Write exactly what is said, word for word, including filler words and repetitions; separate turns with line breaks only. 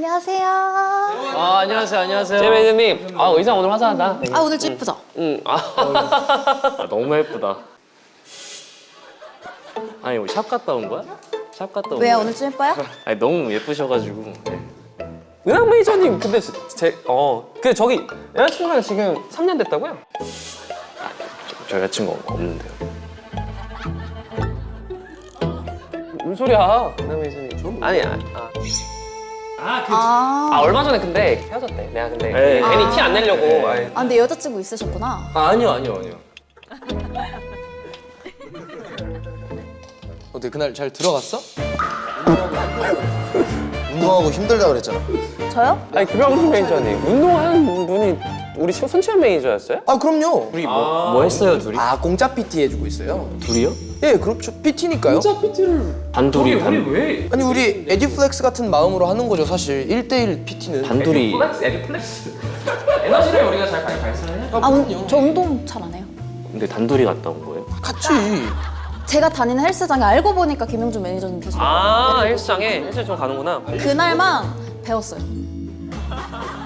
안녕하세요.
아, 안녕하세요, 안녕하세요.
제 매니저님, 아 의상 오늘 화사하다.
아 오늘 좀 예쁘죠?
응. 아, 아, 너무 예쁘다. 아니, 뭐 샵 갔다 온 거야? 샵 갔다 온
왜요?
거야?
오늘 좀 예뻐요?
아니, 너무 예쁘셔가지고. 네. 은하 매니저님, 근데 제, 어, 근데 저기 여자친구랑 지금 삼 년 됐다고요? 저, 저 여자친구 없는데요. 무슨 소리야, 은하 매니저님? 아니야. 아. 아, 그,
아,
아, 얼마 전에 근데 헤어졌대. 내가 근데
네.
괜히 티 안 내려고. 아이.
아 근데 여자친구 있으셨구나.
아, 아니요, 아니요, 아니요.
어때 그날 잘 들어갔어?
운동하고 힘들다 그랬잖아.
저요?
아니 김영준 매니저님 운동하는 분이 우리 손치현 매니저였어요?
아 그럼요. 우리 뭐,
뭐 했어요, 둘이?
아 공짜 피티 해주고 있어요.
둘이요?
예, 그렇죠. 피티니까요.
단둘이, 단,
왜?
아니 우리 에듀플렉스 같은 마음으로 하는 거죠 사실. 일 대일 피티는.
단둘이.
플렉스, 에디 플렉스. 에너지를 우리가 잘 발산해야
아, 운, 저 운동 잘 안 해요.
근데 단둘이 갔다 온 거예요?
같이.
제가 다니는 헬스장에 알고 보니까 김영준 매니저님 계시고
아 헬스장에 헬스장 좀 가는구나.
그날만 배웠어요.